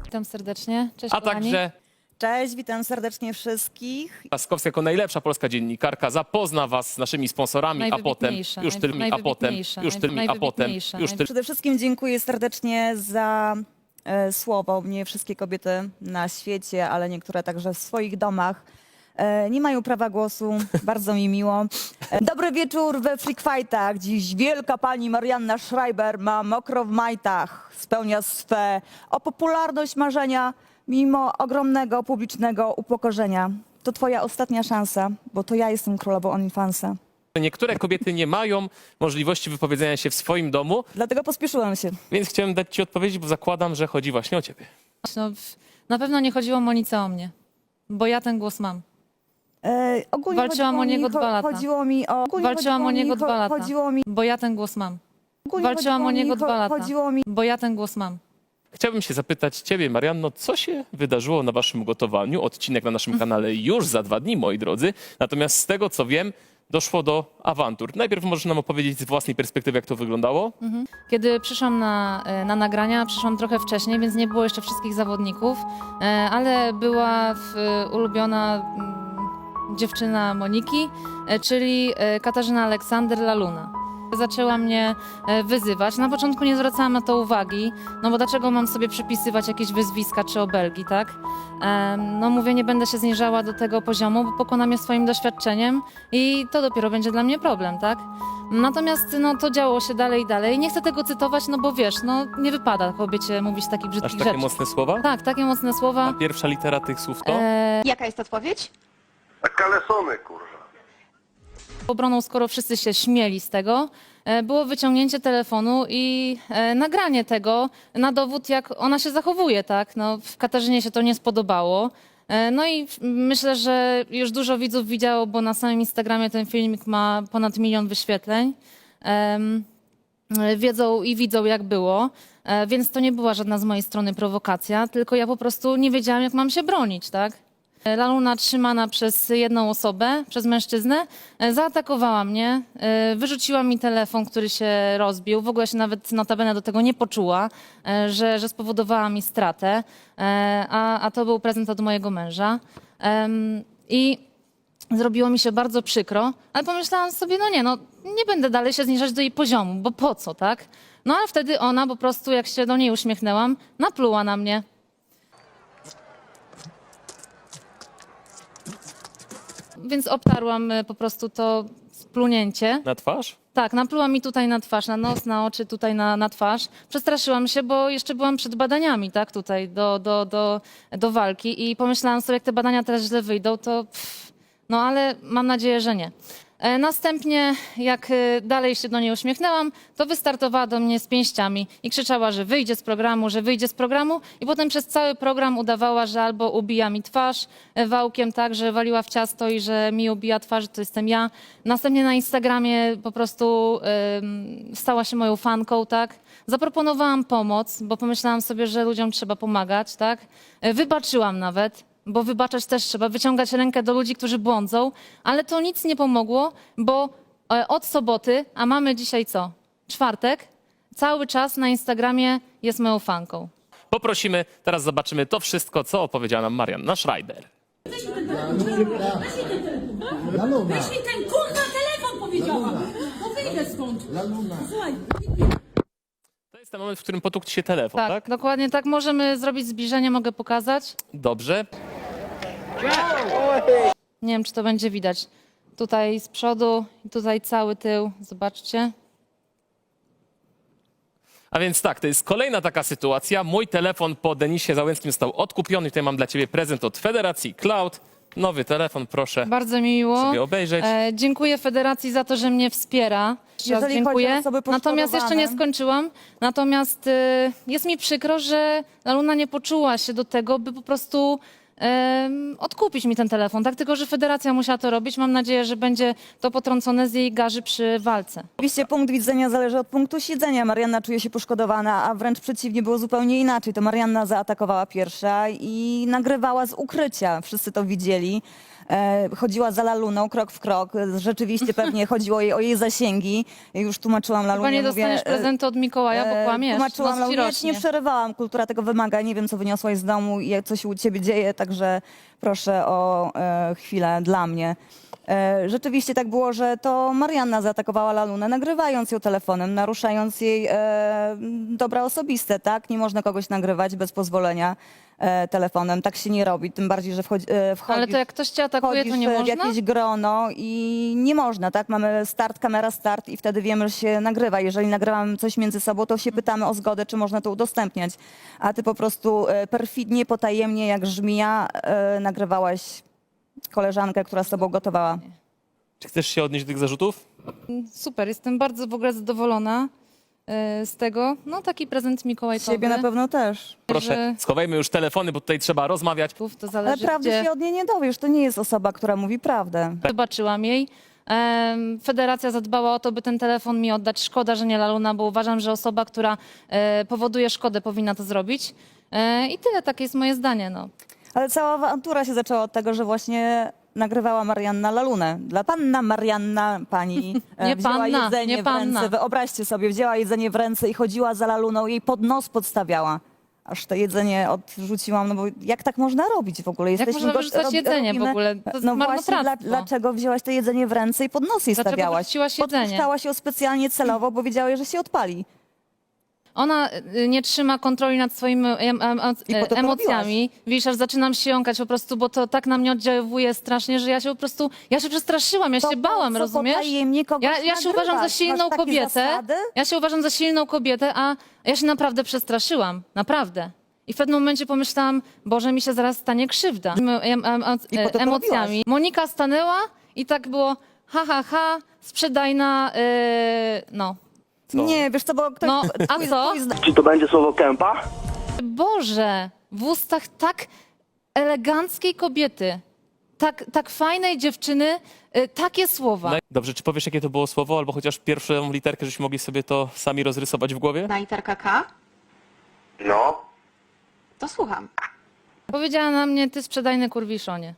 Witam serdecznie. Cześć, A kochani. także Cześć, witam serdecznie wszystkich. Laskowska jako najlepsza polska dziennikarka zapozna was z naszymi sponsorami, a potem już tylmi, a potem już tylmi, a potem już tylmi. Przede wszystkim dziękuję serdecznie za słowo. Nie wszystkie kobiety na świecie, ale niektóre także w swoich domach nie mają prawa głosu. Bardzo mi miło. Dobry wieczór we Freak Fightach. Dziś wielka pani Marianna Schreiber ma mokro w majtach. Spełnia swe o popularność marzenia mimo ogromnego publicznego upokorzenia. To twoja ostatnia szansa, bo to ja jestem królową OnlyFansa. Niektóre kobiety nie mają możliwości wypowiedzenia się w swoim domu, Dlatego pospieszyłam się. więc chciałem dać ci odpowiedź, bo zakładam, że chodzi właśnie o ciebie. No, na pewno nie chodziło Monice o mnie, bo ja ten głos mam. Ogólnie Walczyłam chodziło o niego mi, 2 lata. Chodziło mi o... ogólnie Walczyłam o niego 2 lata, Chodziło mi... bo ja ten głos mam. ogólnie Walczyłam o niego 2 lata, Chodziło mi... bo ja ten głos mam. Chciałbym się zapytać ciebie, Marianno, co się wydarzyło na waszym gotowaniu? Odcinek na naszym kanale już za 2 dni, moi drodzy. Natomiast z tego, co wiem, doszło do awantur. Najpierw możesz nam opowiedzieć z własnej perspektywy, jak to wyglądało? Kiedy przyszłam na nagrania, przyszłam trochę wcześniej, więc nie było jeszcze wszystkich zawodników, ale była ulubiona dziewczyna Moniki, czyli Katarzyna Aleksander Laluna. Zaczęła mnie wyzywać. Na początku nie zwracałam na to uwagi, no bo dlaczego mam sobie przypisywać jakieś wyzwiska czy obelgi, tak? No mówię, nie będę się zniżała do tego poziomu, bo pokonam je swoim doświadczeniem i to dopiero będzie dla mnie problem, tak? Natomiast no, to działo się dalej i dalej. Nie chcę tego cytować, no bo wiesz, no nie wypada kobiecie mówić takich Aż brzydkich takie rzeczy. mocne słowa? Tak, takie mocne A słowa. pierwsza litera tych słów to? Jaka jest odpowiedź? A kalesony, kurwa. Obroną, skoro wszyscy się śmieli z tego, było wyciągnięcie telefonu i nagranie tego na dowód, jak ona się zachowuje, tak? No, w Katarzynie się to nie spodobało. No i myślę, że już dużo widzów widziało, bo na samym Instagramie ten filmik ma ponad 1 milion wyświetleń. Widzą jak było, więc to nie była żadna z mojej strony prowokacja, tylko ja po prostu nie wiedziałam, jak mam się bronić, tak? Laluna trzymana przez jedną osobę, przez mężczyznę, zaatakowała mnie, wyrzuciła mi telefon, który się rozbił. W ogóle się nawet notabene do tego nie poczuła, że spowodowała mi stratę, a to był prezent od mojego męża. I zrobiło mi się bardzo przykro, ale pomyślałam sobie, nie będę dalej się zniżać do jej poziomu, bo po co, tak? No ale wtedy ona po prostu, jak się do niej uśmiechnęłam, napluła na mnie. Więc obtarłam po prostu to splunięcie. Na twarz? Tak, napluła mi tutaj na twarz, na nos, na oczy, tutaj na twarz. Przestraszyłam się, bo jeszcze byłam przed badaniami, tak, tutaj do walki i pomyślałam sobie, jak te badania teraz źle wyjdą, to no ale mam nadzieję, że nie. Następnie, jak dalej się do niej uśmiechnęłam, to wystartowała do mnie z pięściami i krzyczała, że wyjdzie z programu, że wyjdzie z programu i potem przez cały program udawała, że albo ubija mi twarz wałkiem, tak, że waliła w ciasto i że mi ubija twarz, że to jestem ja. Następnie na Instagramie po prostu stała się moją fanką, tak. Zaproponowałam pomoc, bo pomyślałam sobie, że ludziom trzeba pomagać, tak. Wybaczyłam nawet. Bo wybaczać też trzeba, wyciągać rękę do ludzi, którzy błądzą, ale to nic nie pomogło, bo od soboty, a mamy dzisiaj co? Czwartek, cały czas na Instagramie jest moją fanką. Poprosimy, teraz zobaczymy to wszystko, co opowiedziała nam Marianna Schreiber. Weź mi ten kurwa telefon, powiedziałam! No wyjdę stąd! Słuchaj, To jest ten moment, w którym potłukł ci się telefon, Tak, tak? dokładnie tak. Możemy zrobić zbliżenie, mogę pokazać. Dobrze. Nie wiem, czy to będzie widać. Tutaj z przodu i tutaj cały tył, zobaczcie. A więc tak, to jest kolejna taka sytuacja. Mój telefon po Denisie Załęckim został odkupiony. Tutaj mam dla ciebie prezent od Federacji Cloud. Nowy telefon, proszę Bardzo mi miło. sobie obejrzeć. Dziękuję Federacji za to, że mnie wspiera. Jeżeli chodzi o Dziękuję. osoby Natomiast jeszcze nie poszkodowane. skończyłam. Natomiast jest mi przykro, że Laluna nie poczuła się do tego, by po prostu odkupić mi ten telefon. Tak, tylko że Federacja musiała to robić. Mam nadzieję, że będzie to potrącone z jej garzy przy walce. Oczywiście punkt widzenia zależy od punktu siedzenia. Marianna czuje się poszkodowana, a wręcz przeciwnie, było zupełnie inaczej. To Marianna zaatakowała pierwsza i nagrywała z ukrycia. Wszyscy to widzieli. chodziła za Laluną krok w krok. Rzeczywiście pewnie chodziło jej o jej zasięgi. I już tłumaczyłam Chyba Lalunie, nie dostaniesz prezentu od Mikołaja, bo kłamiesz. Tłumaczyłam Nos ci Lalunie, ja ci nie rośnie. przerywałam. Kultura tego wymaga. Nie wiem, co wyniosłaś z domu i co się u ciebie dzieje, także proszę o chwilę dla mnie. Rzeczywiście tak było, że to Marianna zaatakowała Lalunę, nagrywając ją telefonem, naruszając jej dobra osobiste, tak? Nie można kogoś nagrywać bez pozwolenia telefonem. Tak się nie robi, tym bardziej, że wchodzisz Ale to jak ktoś cię atakuje, to nie w można? jakieś grono i nie można, tak? Mamy start, kamera start i wtedy wiemy, że się nagrywa. Jeżeli nagrywamy coś między sobą, to się pytamy o zgodę, czy można to udostępniać. A ty po prostu perfidnie, potajemnie, jak żmija, nagrywałaś koleżankę, która z tobą gotowała. Czy chcesz się odnieść do tych zarzutów? Super, jestem bardzo w ogóle zadowolona z tego. No taki prezent mikołajkowy. Ciebie na pewno też. Proszę, Że- schowajmy już telefony, bo tutaj trzeba rozmawiać. To Ale zależy, prawdy gdzie się od niej nie dowiesz. To nie jest osoba, która mówi prawdę. wybaczyłam jej. Federacja zadbała o to, by ten telefon mi oddać. Szkoda, że nie Laluna, bo uważam, że osoba, która powoduje szkodę, powinna to zrobić. I tyle, takie jest moje zdanie. No. Ale cała awantura się zaczęła od tego, że właśnie nagrywała Marianna Lalunę. Dla panna Marianna pani Nie wzięła panna, jedzenie nie w panna. ręce. Wyobraźcie sobie, wzięła jedzenie w ręce i chodziła za Laluną, jej pod nos podstawiała. Aż to jedzenie odrzuciłam, no bo jak tak można robić w ogóle? Jak można wyrzucać jedzenie w ogóle? To jest No właśnie, marnotrawstwo. dlaczego wzięłaś to jedzenie w ręce i pod nos jej Dlaczego stawiałaś? wyrzuciłaś jedzenie? Podpuszczałaś ją specjalnie celowo, bo wiedziałeś, że się odpali. Ona nie trzyma kontroli nad swoimi I po to to emocjami. Widzisz, aż zaczynam się jąkać po prostu, bo to tak na mnie oddziaływuje strasznie, że ja się po prostu, ja się przestraszyłam, ja To się po bałam, co rozumiesz? potajemnie kogoś Ja się nagrywać? uważam za Masz silną takie kobietę. zasady? Ja się uważam za silną kobietę, a ja się naprawdę przestraszyłam. Naprawdę. I w pewnym momencie pomyślałam, Boże, mi się zaraz stanie krzywda. I po to to Emocjami. robiłaś. Monika stanęła i tak było ha, sprzedajna, no. Co? Nie, wiesz co, bo ktoś... No, a twój- co? twój Czy to będzie słowo kępa? Boże, w ustach tak eleganckiej kobiety, tak fajnej dziewczyny, takie słowa. No, dobrze, czy powiesz, jakie to było słowo, albo chociaż pierwszą literkę, żebyśmy mogli sobie to sami rozrysować w głowie? Na literkę K? No. To słucham. Powiedziała na mnie, ty sprzedajny kurwiszonie.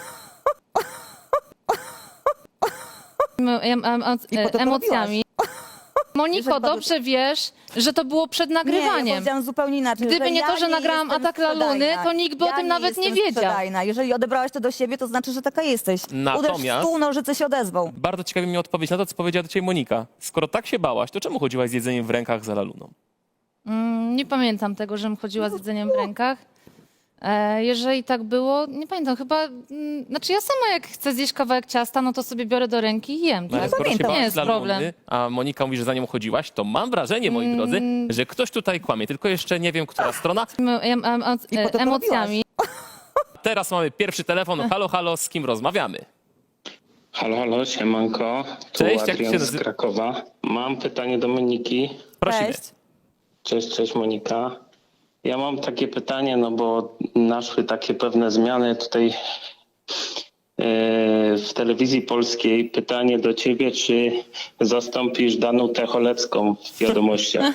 I po to to Emocjami. Moniko, Jeżeli bardzo- dobrze wiesz, że to było przed Nie, ja nagrywaniem. powiedziałam zupełnie inaczej. Gdyby że nie to, ja że nagrałam jestem atak Laluny, sprzedajna. to nikt by o tym nawet nie jestem wiedział. sprzedajna. Jeżeli odebrałaś to do siebie, to znaczy, że taka jesteś. Uderz w Natomiast- stół, nożyce się odezwą. Bardzo ciekawi mnie odpowiedź na to, co powiedziała do ciebie Monika. Skoro tak się bałaś, to czemu chodziłaś z jedzeniem w rękach za Laluną? Nie pamiętam tego, żebym chodziła z jedzeniem w rękach. Jeżeli tak było, nie pamiętam, chyba, znaczy ja sama jak chcę zjeść kawałek ciasta, no to sobie biorę do ręki i jem. No, ale Tak? skoro się pamiętam. Nie bałaś jest dla Laluny, problem. a Monika mówi, że za nią chodziłaś, to mam wrażenie, moi drodzy, że ktoś tutaj kłamie. Tylko jeszcze nie wiem, która strona. I po to to Emocjami. Teraz mamy pierwszy telefon. Halo, halo, z kim rozmawiamy? Halo, halo, siemanko. Tu Cześć, jak Adrian się z nazywa? Krakowa. Mam pytanie do Moniki. Prosimy. Cześć. Cześć Monika. Ja mam takie pytanie, no bo naszły takie pewne zmiany tutaj w telewizji polskiej. Pytanie do ciebie, czy zastąpisz Danutę Cholecką w wiadomościach?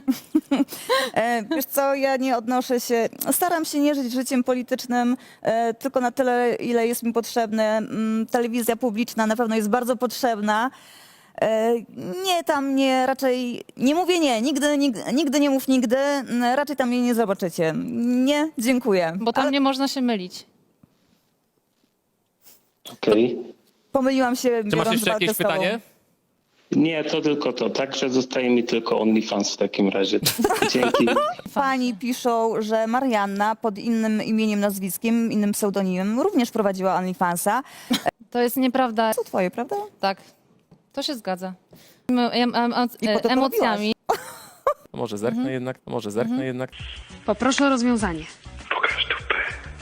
Wiesz co, ja nie odnoszę się, staram się nie żyć życiem politycznym, tylko na tyle, ile jest mi potrzebne. Telewizja publiczna na pewno jest bardzo potrzebna. Nie, tam nie, raczej nie mówię nie, nigdy nie mów nigdy, raczej tam mnie nie zobaczycie. Nie, dziękuję. Bo tam nie można się mylić. Okej. Pomyliłam się, Czy masz biorąc jeszcze walkę jakieś z tobą. pytanie? Nie, to tylko to. Także zostaje mi tylko OnlyFans w takim razie. Dzięki. Pani piszą, że Marianna pod innym imieniem, nazwiskiem, innym pseudonimem również prowadziła OnlyFansa. To jest nieprawda. To twoje, prawda? Tak, to się zgadza. I po to to Emocjami. Może zerknę jednak, może zerknę jednak. Poproszę o rozwiązanie. Pokaż dupę.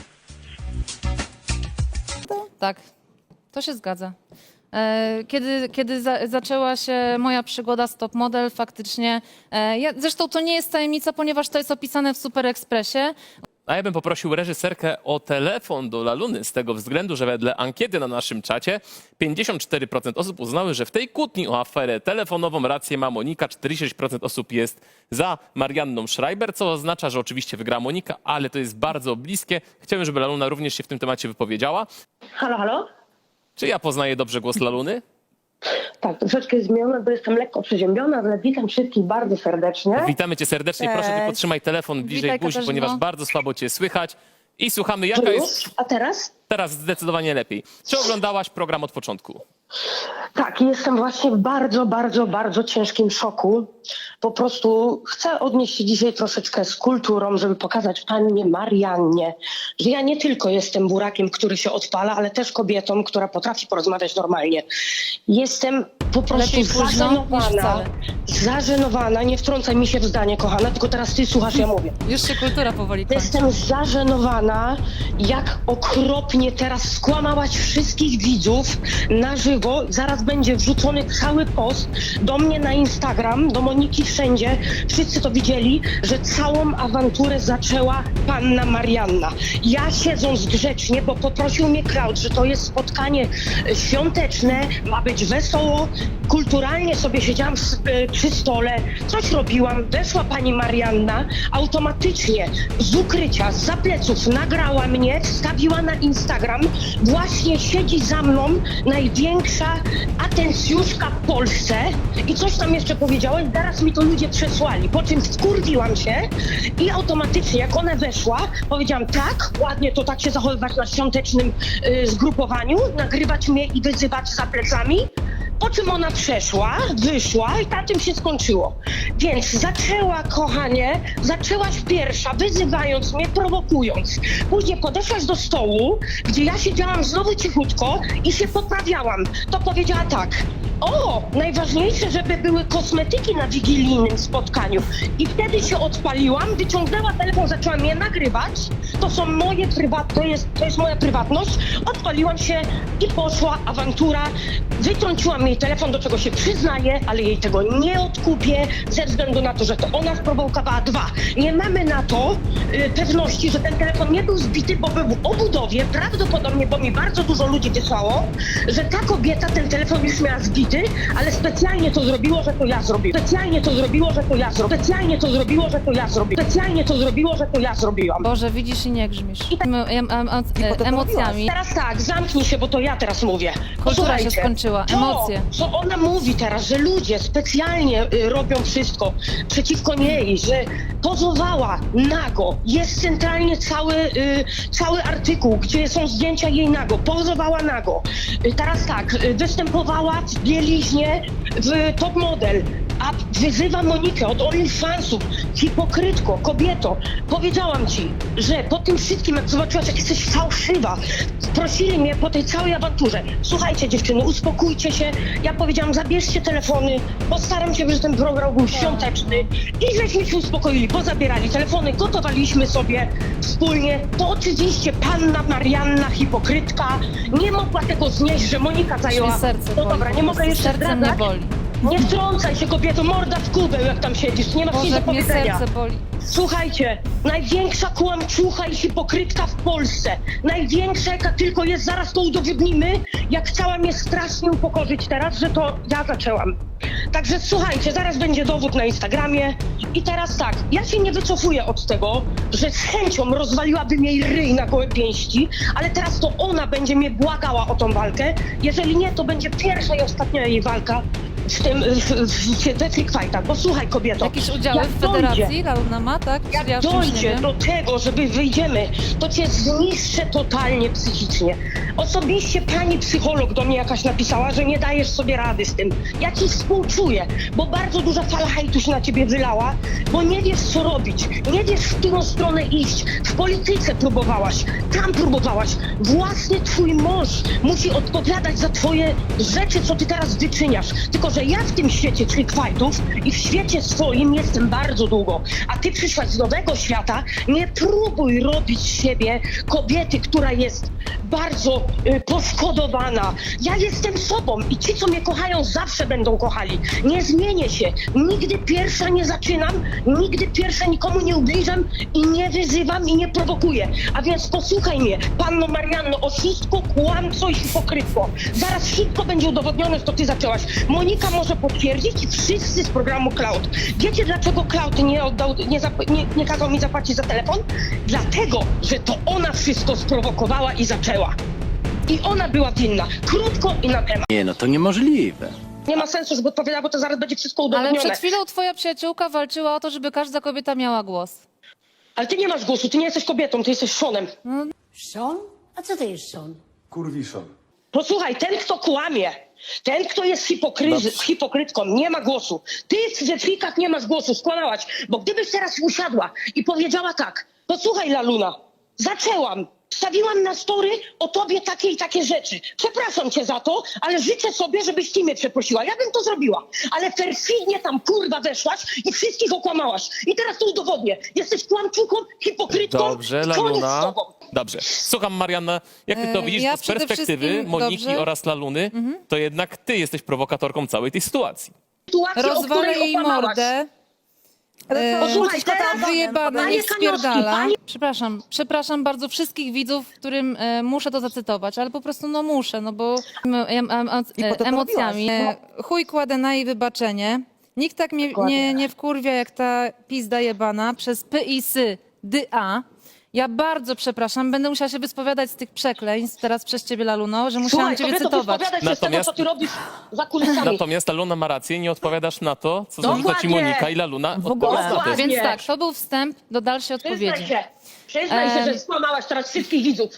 Tak, to się zgadza. Kiedy zaczęła się moja przygoda z Top Model, faktycznie, zresztą to nie jest tajemnica, ponieważ to jest opisane w Super Expressie. A ja bym poprosił reżyserkę o telefon do Laluny z tego względu, że wedle ankiety na naszym czacie 54% osób uznały, że w tej kłótni o aferę telefonową rację ma Monika, 46% osób jest za Marianną Schreiber, co oznacza, że oczywiście wygra Monika, ale to jest bardzo bliskie. Chciałbym, żeby Laluna również się w tym temacie wypowiedziała. Halo, halo? Czy ja poznaję dobrze głos Laluny? Tak, troszeczkę jest zmieniona, bo jestem lekko przeziębiona, ale witam wszystkich bardzo serdecznie. Witamy cię serdecznie. Proszę, Cześć. tylko trzymaj telefon bliżej Witaj, buzi, Katarzyno. ponieważ bardzo słabo cię słychać. I słuchamy, To jaka już? jest... A teraz? Teraz zdecydowanie lepiej. Czy oglądałaś program od początku? Tak, jestem właśnie w bardzo ciężkim szoku. Po prostu chcę odnieść się dzisiaj troszeczkę z kulturą, żeby pokazać pannie Mariannie, że ja nie tylko jestem burakiem, który się odpala, ale też kobietą, która potrafi porozmawiać normalnie. Jestem po prostu Lepiej późno niż wcale. zażenowana, nie wtrącaj mi się w zdanie, kochana, tylko teraz ty słuchasz, ja mówię. Już się kultura powoli kończy. Jestem zażenowana, jak okropnie teraz skłamałaś wszystkich widzów na żywo. Zaraz będzie wrzucony cały post do mnie na Instagram, do Moniki wszędzie. Wszyscy to widzieli, że całą awanturę zaczęła panna Marianna. Ja siedząc grzecznie, bo poprosił mnie crowd, że to jest spotkanie świąteczne, ma być wesoło, kulturalnie sobie siedziałam przy stole, coś robiłam, weszła pani Marianna, automatycznie z ukrycia, zza pleców nagrała mnie, wstawiła na Instagram, właśnie siedzi za mną największa atencjuszka w Polsce i coś tam jeszcze powiedziała i zaraz mi to ludzie przesłali, po czym wkurwiłam się i automatycznie jak ona weszła, powiedziałam tak, ładnie to tak się zachowywać na świątecznym zgrupowaniu, nagrywać mnie i wyzywać za plecami. Po czym ona przeszła, wyszła i na tym się skończyło. Więc zaczęła, kochanie, zaczęłaś pierwsza, wyzywając mnie, prowokując. Później podeszłaś do stołu, gdzie ja siedziałam znowu cichutko i się poprawiałam. To powiedziała tak: o, najważniejsze, żeby były kosmetyki na wigilijnym spotkaniu. I wtedy się odpaliłam, wyciągnęła telefon, zaczęła mnie nagrywać. To są moje to jest moja prywatność. Odpaliłam się i poszła awantura. Wytrąciłam jej telefon, do czego się przyznaję, ale jej tego nie odkupię ze względu na to, że to ona sprowokowała. 2. Nie mamy na to pewności, że ten telefon nie był zbity, bo był w obudowie, prawdopodobnie, bo mi bardzo dużo ludzi wysłało, że ta kobieta ten telefon już miała zbity, ale specjalnie to zrobiło, że to ja zrobiłam. Specjalnie to zrobiło, że to ja zrobiłam. Specjalnie to zrobiło, że to ja zrobiłam. Specjalnie to zrobiło, że to ja zrobiłam. Boże, widzisz i nie grzmisz. potem Emocjami. Teraz tak, zamknij się, bo to ja teraz mówię. Kultura Posłuchajcie, się skończyła, emocje. To, co ona mówi teraz, że ludzie specjalnie robią wszystko przeciwko niej, że pozowała nago. Jest centralnie cały artykuł, gdzie są zdjęcia jej nago. Pozowała nago. Teraz tak, występowała w bieliźnie w Top Model, a wyzywa Monikę od OnlyFansów. Hipokrytko, kobieto, powiedziałam ci, że po tym wszystkim, jak zobaczyłaś, jak jesteś fałszywa, prosili mnie po tej całej awanturze: słuchajcie dziewczyny, uspokójcie się. Ja powiedziałam: zabierzcie telefony, postaram się, żeby ten program był świąteczny. I żeśmy się uspokoili, pozabierali telefony, gotowaliśmy sobie wspólnie. To oczywiście panna Marianna, hipokrytka, nie mogła tego znieść, że Monika zajęła... Mnie serce No boli, dobra, po nie mogę prostu jeszcze serce mnie zdradzać. boli. Nie wtrącaj się, kobieto, morda w kubeł, jak tam siedzisz, nie masz nic Boże, do jak mnie powiedzenia. serce boli. Słuchajcie, największa kłamczucha i hipokrytka w Polsce. Największa, jaka tylko jest, zaraz to udowodnimy, jak chciała mnie strasznie upokorzyć teraz, że to ja zaczęłam. Także słuchajcie, zaraz będzie dowód na Instagramie. I teraz tak, ja się nie wycofuję od tego, że z chęcią rozwaliłabym jej ryj na gołe pięści, ale teraz to ona będzie mnie błagała o tą walkę. Jeżeli nie, to będzie pierwsza i ostatnia jej walka w tym, we Freak Fightach. Bo słuchaj, kobieto, Jakieś udziały jak w dojdzie, federacji Laluna ma, tak? jak Ja o czymś nie dojdzie wiem. do tego, żeby wyjdziemy, to cię zniszczę totalnie psychicznie. Osobiście pani psycholog do mnie jakaś napisała, że nie dajesz sobie rady z tym. Ja ci współczuję, bo bardzo duża fala hejtu się na ciebie wylała, bo nie wiesz, co robić, nie wiesz, w którą stronę iść. W polityce próbowałaś, tam próbowałaś. Własny twój mąż musi odpowiadać za twoje rzeczy, co ty teraz wyczyniasz. Tylko, że że ja w tym świecie trick fightów i w świecie swoim jestem bardzo długo, a ty przyszłaś z nowego świata, nie próbuj robić z siebie kobiety, która jest bardzo poszkodowana. Ja jestem sobą i ci, co mnie kochają, zawsze będą kochali. Nie zmienię się. Nigdy pierwsza nie zaczynam, nigdy pierwsza nikomu nie ubliżam i nie wyzywam i nie prowokuję. A więc posłuchaj mnie, panno Marianno, oszustko, kłamco i hipokrytko. Zaraz wszystko będzie udowodnione, że to ty zaczęłaś. Monika może potwierdzić i wszyscy z programu Cloud. Wiecie, dlaczego Cloud nie kazał mi zapłacić za telefon? Dlatego, że to ona wszystko sprowokowała i zaczęła. I ona była winna. Krótko i na temat. Nie, no to niemożliwe. Nie ma sensu, żeby odpowiadała, bo to zaraz będzie wszystko Ale udowodnione. przed chwilą twoja przyjaciółka walczyła o to, żeby każda kobieta miała głos. Ale ty nie masz głosu, ty nie jesteś kobietą, ty jesteś Seanem. Sean? A co to jest Sean? Posłuchaj, ten kto kłamie, ten kto jest hipokrytką, nie ma głosu. Ty w frikach nie masz głosu, skłamałaś. Bo gdybyś teraz usiadła i powiedziała tak, posłuchaj Laluna, zaczęłam, wstawiłam na story o tobie takie i takie rzeczy. Przepraszam cię za to, ale życzę sobie, żebyś ty mnie przeprosiła. Ja bym to zrobiła. Ale perfidnie tam kurwa weszłaś i wszystkich okłamałaś. I teraz to udowodnię. Jesteś kłamczuką, hipokrytką. Dobrze, i koniec z Laluna. tobą. Dobrze. Słucham, Marianna, jak ty to widzisz, ja bo z przede perspektywy wszystkim- Moniki dobrze. oraz Laluny, to jednak ty jesteś prowokatorką całej tej sytuacji. Sytuację, o Rozwalę której jej okłamałaś. mordę. Posłuchaj, teraz Wyjebana, Panie niech spierdala. Kaniowski, Przepraszam bardzo wszystkich widzów, którym muszę to zacytować, ale po prostu no muszę, no bo I po to to emocjami. robiłaś. Chuj kładę na jej wybaczenie. Nikt tak mnie nie wkurwia jak ta pizda jebana przez PiS DA. Ja bardzo przepraszam, będę musiała się wyspowiadać z tych przekleństw teraz przez ciebie, Laluno, że musiałam Słuchaj, ciebie kobieto, cytować. wyspowiadaj się z tego, Natomiast- co ty robisz za kulisami. Natomiast Laluna ma rację, nie odpowiadasz na to, co zarzuca ci Dokładnie. Monika i Laluna odpowiada na to. Dokładnie. Więc tak, to był wstęp do dalszej odpowiedzi. Przyznaj się, że skłamałaś teraz wszystkich widzów.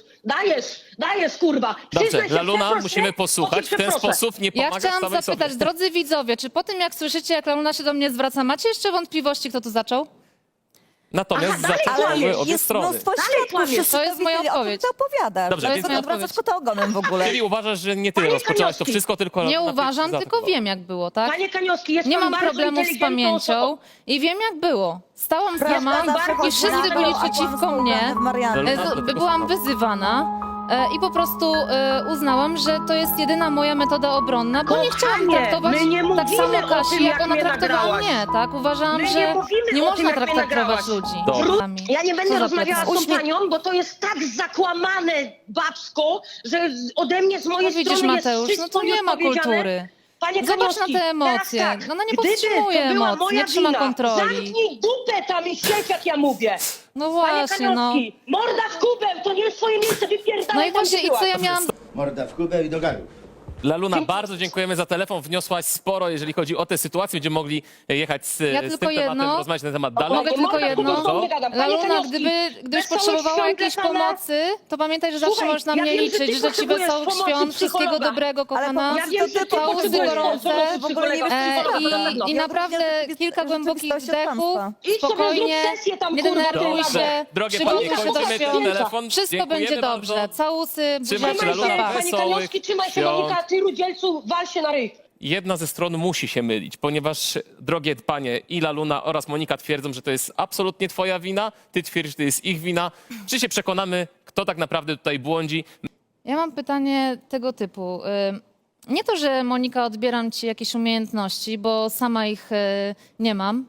Dajesz, kurwa. Dobrze, Przyznaj się, Laluna, przeproś musimy mnie, posłuchać. W ten przeproszę. sposób nie Ja pomagasz chciałam samej zapytać, sobie. drodzy widzowie, czy po tym jak słyszycie, jak Laluna się do mnie zwraca, macie jeszcze wątpliwości, kto tu zaczął? Natomiast Aha, dalej zaczęły kłamiesz. obie Jest strony. mnóstwo Dalej świadków, kłamiesz. wszyscy To jest moja widzieli, odpowiedź. O czym ty opowiadasz? Dobrze, To jest moja Odwracasz odpowiedź. kota ogonem w ogóle. Czyli uważasz, że nie ty Panie rozpoczęłaś to Kaniowski, wszystko, tylko Nie Laluna uważam, cię tylko zaatakowała. wiem, jak było, tak? Panie Kaniowski, jest Nie pan mam bardzo problemów z inteligentną pamięcią osobą. i wiem, jak było. Stałam z Prawda dramą zawsze i chodzi wszyscy na byli to, przeciwko kłamstwo mnie. Marianny. Byłam wyzywana i po prostu uznałam, że to jest jedyna moja metoda obronna, bo nie chciałam Kochanie, traktować my nie tak mówimy samo o Kasi, tym, jak jak ona mnie traktowała nagrałaś. mnie, tak? Uważałam, My nie że mówimy nie o tym, można jak mnie traktować nagrałaś. ludzi. Dobra. Ja nie Co będę za rozmawiała z tą plecak? panią, bo to jest tak zakłamane babsko, że ode mnie z mojej No widzisz, strony Mateusz, jest no wszystko to nie ma nieodpowiedziane. kultury. Panie Zobacz Kaniowski, na te emocje. teraz tak, No ona nie gdyby powstrzymuje to była emocji, moja nie trzyma wina, kontroli. Zamknij dupę tam i siedź, jak ja mówię. No Panie właśnie, no. Kaniowski, morda w kubeł, to nie jest twoje miejsce, wypierdalaj No i tam, właśnie, gdzie i co byłaś. ja miałam Morda w kubę i do garu. Laluna, bardzo dziękujemy za telefon. Wniosłaś sporo, jeżeli chodzi o tę sytuację. Będziemy mogli jechać z Ja tym tylko tematem, jedno. rozmawiać na temat dalej. Mogę tylko Morda w jedno. kubeł, nie gadam. Panie Laluna, Kaniowski, gdybyś wesołych potrzebowała świąt jakiejś dla pana. pomocy, to pamiętaj, że zawsze Słuchaj, możesz na ja mnie wiem, że ty liczyć. Życzę ci potrzebujesz wesołych pomocy świąt, wszystkiego psychologa. dobrego, kochana. Ale Ja wiem, że ty Całusy potrzebujesz gorące. pomocy W ogóle nie psychologa. wiesz, co I naprawdę kilka głębokich wdechów, Idź sobie spokojnie, zrób sesję tam, nie kurwa, denerwuj Dobrze. się, Drogie przygotuj panie, się do kończymy ten świąt, telefon. wszystko Dziękujemy będzie bardzo. dobrze. Całusy, Trzymaj się, buziaczki, Laluna. pa, pa. Panie Kaniowski, trzymaj się, świąt. Monika, ty rudzielcu, wal się na ryj. Jedna ze stron musi się mylić, ponieważ, drogie panie, i Laluna oraz Monika twierdzą, że to jest absolutnie twoja wina, ty twierdzisz, że to jest ich wina. Czy się przekonamy, kto tak naprawdę tutaj błądzi? Ja mam pytanie tego typu. Nie to, że Monika, odbieram ci jakieś umiejętności, bo sama ich nie mam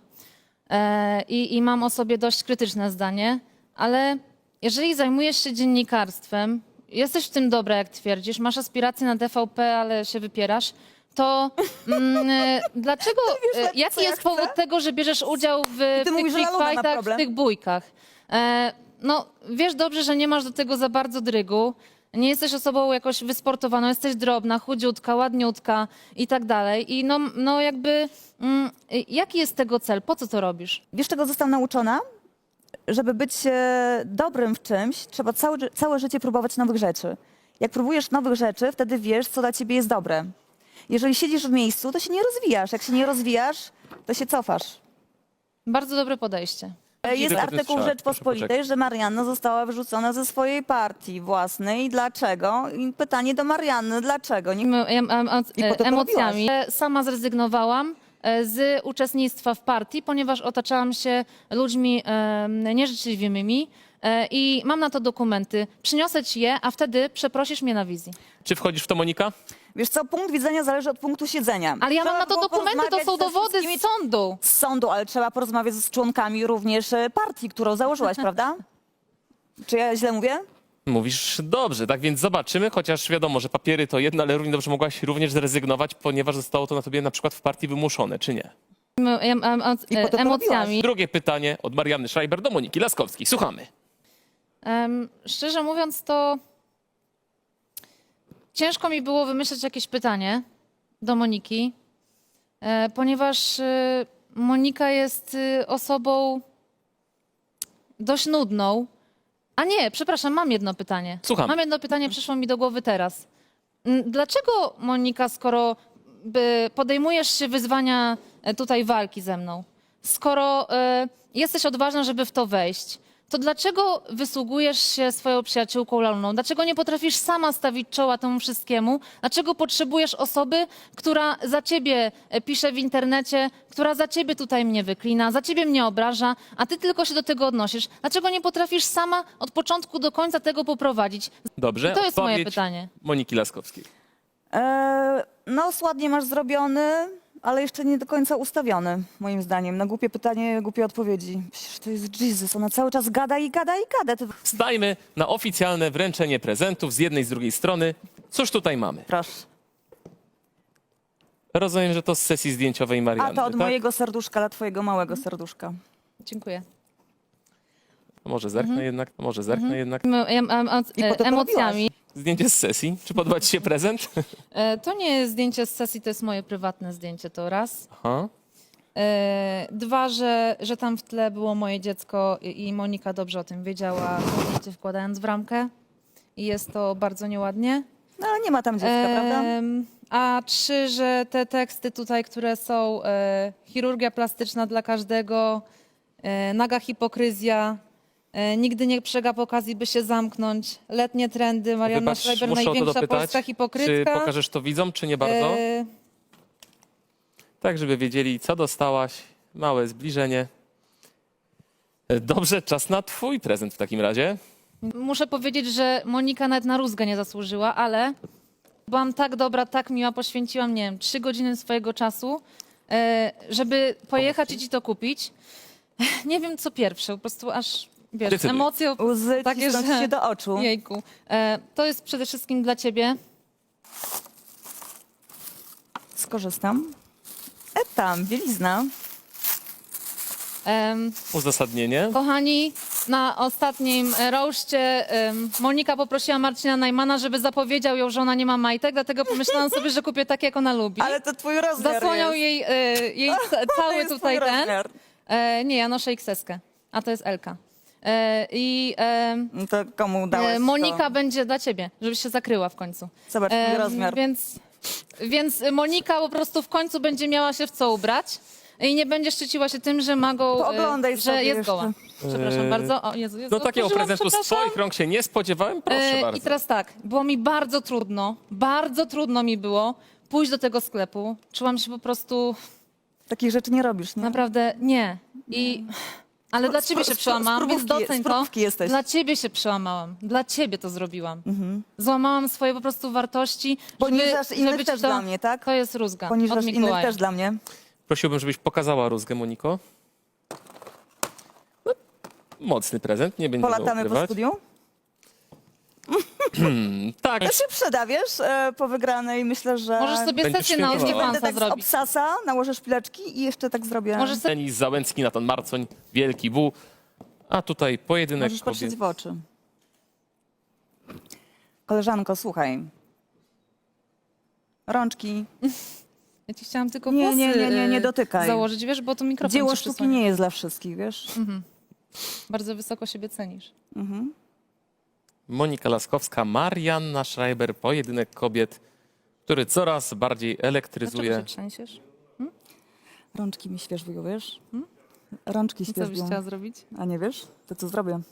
i mam o sobie dość krytyczne zdanie, ale jeżeli zajmujesz się dziennikarstwem, jesteś w tym dobra, jak twierdzisz, masz aspiracje na TVP, ale się wypierasz, to dlaczego, jaki co ja jest powód chcę? tego, że bierzesz udział w ty tych mówisz, że freak Laluna ma fightach, w problem? tych bójkach? No, wiesz dobrze, że nie masz do tego za bardzo drygu. Nie jesteś osobą jakoś wysportowaną, jesteś drobna, chudziutka, ładniutka i tak dalej. I no jakby, jaki jest tego cel? Po co to robisz? Wiesz, czego zostałam nauczona? Żeby być dobrym w czymś, trzeba całe życie próbować nowych rzeczy. Jak próbujesz nowych rzeczy, wtedy wiesz, co dla ciebie jest dobre. Jeżeli siedzisz w miejscu, to się nie rozwijasz. Jak się nie rozwijasz, to się cofasz. Bardzo dobre podejście. Jest Tylko artykuł w proszę Rzeczpospolitej, poczekać. że Marianna została wyrzucona ze swojej partii własnej. Dlaczego? I pytanie do Marianny, dlaczego? Nie... I po to Emocjami. Sama zrezygnowałam z uczestnictwa w partii, ponieważ otaczałam się ludźmi nieżyczliwymi i mam na to dokumenty. Przyniosę ci je, a wtedy przeprosisz mnie na wizji. Czy wchodzisz w to, Monika? Wiesz co, punkt widzenia zależy od punktu siedzenia. Ale ja mam Trzeba na to było dokumenty, to porozmawiać są ze dowody wszystkimi- z sądu. Z sądu, ale trzeba porozmawiać z członkami również partii, którą założyłaś, prawda? Czy ja źle mówię? Mówisz dobrze, tak więc zobaczymy, chociaż wiadomo, że papiery to jedno, ale równie dobrze mogłaś również zrezygnować, ponieważ zostało to na tobie na przykład w partii wymuszone, czy nie? I po to Emocjami. Drugie pytanie od Marianny Schreiber do Moniki Laskowskiej. Słuchamy. Szczerze mówiąc, to ciężko mi było wymyśleć jakieś pytanie do Moniki, ponieważ Monika jest osobą dość nudną. A nie, przepraszam, mam jedno pytanie. Słucham. Mam jedno pytanie, przyszło mi do głowy teraz. Dlaczego, Monika, skoro podejmujesz się wyzwania tutaj walki ze mną, skoro jesteś odważna, żeby w to wejść, to dlaczego wysługujesz się swoją przyjaciółką Laluną? Dlaczego nie potrafisz sama stawić czoła temu wszystkiemu? Dlaczego potrzebujesz osoby, która za ciebie pisze w internecie, która za ciebie tutaj mnie wyklina, za ciebie mnie obraża, a ty tylko się do tego odnosisz? Dlaczego nie potrafisz sama od początku do końca tego poprowadzić? Dobrze, I to jest moje odpowiedź pytanie. Moniki Laskowskiej. Nos ładnie masz zrobiony, ale jeszcze nie do końca ustawiony, moim zdaniem. Na głupie pytanie, głupie odpowiedzi. Przecież to jest Jesus, ona cały czas gada i gada i gada. Ty... Stajmy na oficjalne wręczenie prezentów z jednej i z drugiej strony. Cóż tutaj mamy? Proszę. Rozumiem, że to z sesji zdjęciowej Marianny, A to od tak? mojego serduszka dla twojego małego serduszka. Dziękuję. Może zerknę jednak, może zerknę jednak. I po to Emocjami. Zdjęcie z sesji. Czy podoba ci się prezent? To nie jest zdjęcie z sesji, to jest moje prywatne zdjęcie, to raz. Aha. Dwa, że tam w tle było moje dziecko i Monika dobrze o tym wiedziała, to zdjęcie wkładając w ramkę. I jest to bardzo nieładnie. No ale nie ma tam dziecka, prawda? A trzy, że te teksty tutaj, które są chirurgia plastyczna dla każdego, naga hipokryzja, nigdy nie przegap okazji, by się zamknąć, letnie trendy, Marianna Wybacz, Schreiber, muszę o to największa dopytać. polska Czy hipokrytka. pokażesz to widzom, czy nie bardzo? Tak, żeby wiedzieli, co dostałaś. Małe zbliżenie. Dobrze, czas na twój prezent w takim razie. Muszę powiedzieć, że Monika nawet na rózgę nie zasłużyła, ale byłam tak dobra, tak miła, poświęciłam, nie wiem, 3 godziny swojego czasu, żeby pojechać i ci to kupić. Nie wiem, co pierwsze, po prostu aż, wiesz, Decyduj. emocje Łzy takie, cisnąć że... się do oczu. Jejku. To jest przede wszystkim dla ciebie. Skorzystam. Tam, bielizna. Uzasadnienie. Kochani, na ostatnim roaszcie Monika poprosiła Marcina Najmana, żeby zapowiedział ją, że ona nie ma majtek, dlatego pomyślałam sobie, że kupię takie, jak ona lubi. Ale to twój rozmiar Zasłoniał jest. jej cały jest tutaj twój ten. rozmiar. Nie, ja noszę XS-kę, a to jest Elka. No to komu dałeś Monika to? będzie dla ciebie, żebyś się zakryła w końcu. Zobacz, twój rozmiar. Więc Monika po prostu w końcu będzie miała się w co ubrać i nie będzie szczyciła się tym, że ma go, Pooglądaj że sobie jest jeszcze. goła. Przepraszam bardzo. O Jezu, No takiego otworzyłam, prezentu z przepraszam. twoich rąk się nie spodziewałem. Proszę bardzo. I teraz tak, było mi bardzo trudno mi było pójść do tego sklepu. Czułam się po prostu Takich rzeczy nie robisz, nie? naprawdę nie. Ale dla ciebie się przełamałam, więc doceń to. Jesteś. Dla ciebie się przełamałam. Dla ciebie to zrobiłam. Złamałam swoje po prostu wartości. Poniżasz innych ci też dla mnie, tak? To jest rózga od Poniżasz innych Mikołaja. też dla mnie. Prosiłbym, żebyś pokazała rózgę, Moniko. No, mocny prezent, nie będziemy Polatamy po ukrywać. studiu. Tak, To się przyda, wiesz, po wygranej. Myślę, że... Możesz sobie Będziesz sesję na świętowała. Będę OnlyFansa tak z zrobić. obsasa, nałożę szpileczki i jeszcze tak zrobię. Możesz sobie Denis Załęcki, Natan Marcoń, Wielki Bu. A tutaj pojedynek Możesz patrzeć kobiet. w oczy. Koleżanko, słuchaj. Rączki. Ja ci chciałam tylko Nie, włosy nie dotykaj. założyć, wiesz, bo tu mikrofon Dzieło ci sztuki przysłania. nie jest dla wszystkich, wiesz? Bardzo wysoko siebie cenisz. Monika Laskowska, Marianna Schreiber, pojedynek kobiet, który coraz bardziej Dlaczego elektryzuje. się trzęsiesz? Rączki mi świeżują, wiesz? Rączki Co byś świeżbią. chciała zrobić? A nie wiesz? To co zrobię?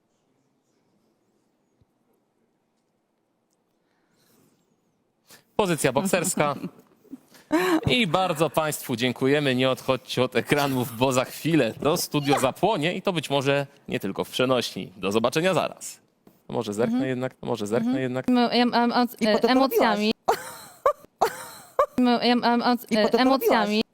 Pozycja bokserska. I bardzo Państwu dziękujemy. Nie odchodźcie od ekranów, bo za chwilę to studio zapłonie i to być może nie tylko w przenośni. Do zobaczenia zaraz. To może zerknę jednak, to może zerknę jednak. I po to to Emocjami. I po to to Emocjami.